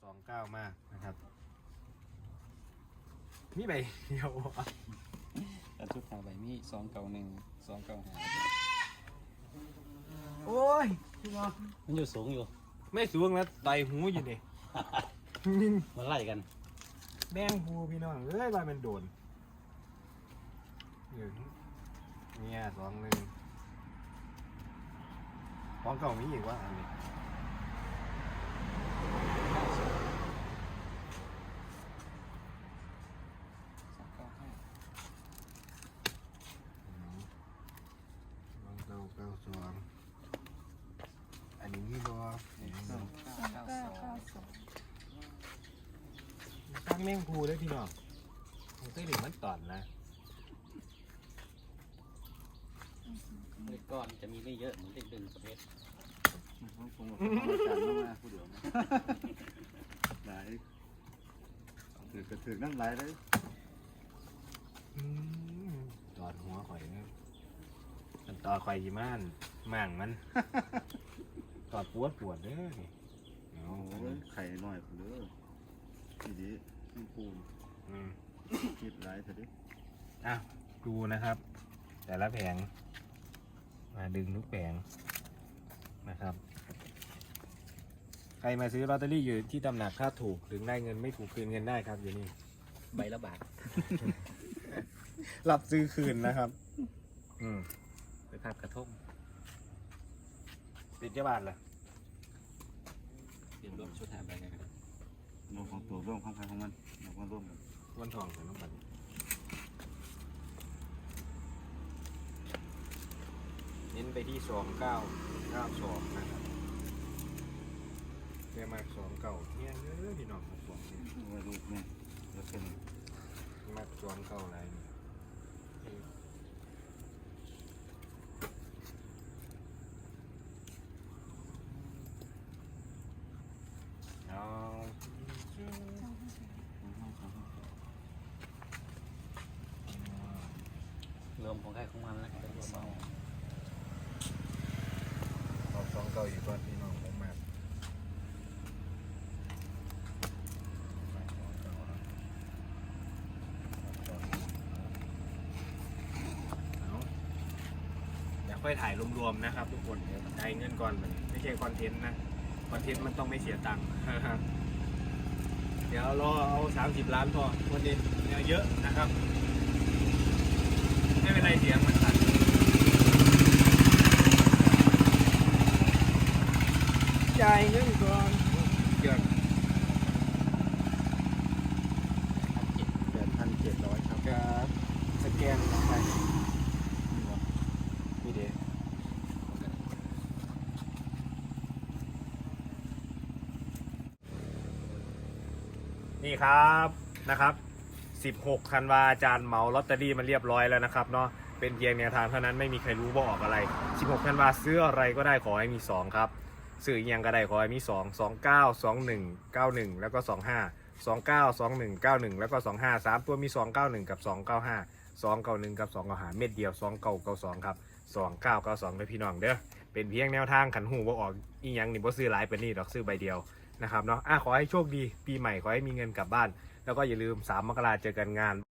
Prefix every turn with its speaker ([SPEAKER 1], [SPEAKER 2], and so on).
[SPEAKER 1] 29มากนะครับมีใบเดียว
[SPEAKER 2] แต่ชุดหาใบมี291 295
[SPEAKER 1] โอ้ยพี่น้อง
[SPEAKER 2] มันอยู่สูงอยู่
[SPEAKER 1] ไม่สูงแล้วไตหูอยู่ดิ
[SPEAKER 2] มันไล่กัน
[SPEAKER 1] แดงหูพี่น้องเอ้ยว่ามันโดนเนี่ย21ของเก่ามีอีกว่าอันนี้อันนี้มีบอตั้งแมงภูด้วยพี่น้องมันเคยถึงมันตอนนะ
[SPEAKER 2] เล็กก้อนจะมีไม่เยอะเหมือนเล็กดึงประเภท
[SPEAKER 3] ผมกับอาจารย์มาผู้เดียวนะหลายถือน้ำลายเลย
[SPEAKER 1] ตอดหัวข่อยนะมันตอดข่อยยี่ม่านมั่งมัน ตอดปวดเด้อนี่
[SPEAKER 3] โอ้ยไข่หน่อยเด้อทีนี้น้ำปูนคิดหลายเถอะดิ
[SPEAKER 1] อ่ะดูนะครับ แต่ละแผงมาดึงทุกแผงนะครับ ใครมาซื้อลอตเตอรี่อยู่ที่ตำหนักถ้าถูกถึงได้เงินไม่ถูกคืนเงินได้ครับอยู่นี่
[SPEAKER 2] ใบละบาท
[SPEAKER 1] รับซื้อคืนนะครับ
[SPEAKER 2] ไปภาพกระทง
[SPEAKER 1] ติดเจ้าบ้านเหรอ
[SPEAKER 2] เปลี่ยนรวมชุดหาใบกันครับ
[SPEAKER 3] รวมของตัวร่วมของใครของมันเราก็ร่วมกัน
[SPEAKER 1] วันทองใส่น้ำมันเน้นไปที่2992นะครับเรียกมา29เนี่ยเนื้อพี่น้องของผมเนี่ย
[SPEAKER 3] ไว้รูปเนี่ยจะเป็น
[SPEAKER 1] มา29อะไรนี่เอา
[SPEAKER 2] รวมของใครของมันแล้วเป็นรวมเอา
[SPEAKER 1] เอา29อีกก่อนพี่น้องผมมาเดี๋ยวค่อยถ่ายรวมๆนะครับทุกคนเดี๋ยวจ่ายเงินก่อนมันไม่ใช่คอนเทนต์นะคอนเทนต์มันต้องไม่เสียตังค์ เดี๋ยวรอเอา30 ล้านพอวันนี้เยอะนะครับ ไม่เป็นไรเสียงมันตัดจ่ายเงินก่อนเดือน8,700ครับกับสแกนไปนี่เด็นี่ครับนะครับ16ธันวาอาจารย์เหมาลอตเตอรี่มันเรียบร้อยแล้วนะครับเนาะเป็นเพียงแนวทางเท่านั้นไม่มีใครรู้ว่าออกอะไร16ธันวาซื้ออะไรก็ได้ขอให้มี2ครับซื้ออีกอย่างก็ได้ขอให้มี2 29 21 91แล้วก็25 29 21 91แล้วก็25 3ตัวมี291กับ295 291กับ295เม็ดเดียว2992ครับ2992เลยพี่น้องเด้อเป็นเพียงแนวทางขันหูว่าออกอีหยังนี่บ่ซื้อหลายเป็นนี่ดอกซื้อใบเดียวนะครับเนาะขอให้โชคดีปีใหม่ขอให้มีเงินกลับบ้านแล้วก็อย่าลืม3 มกราเจอกันงาน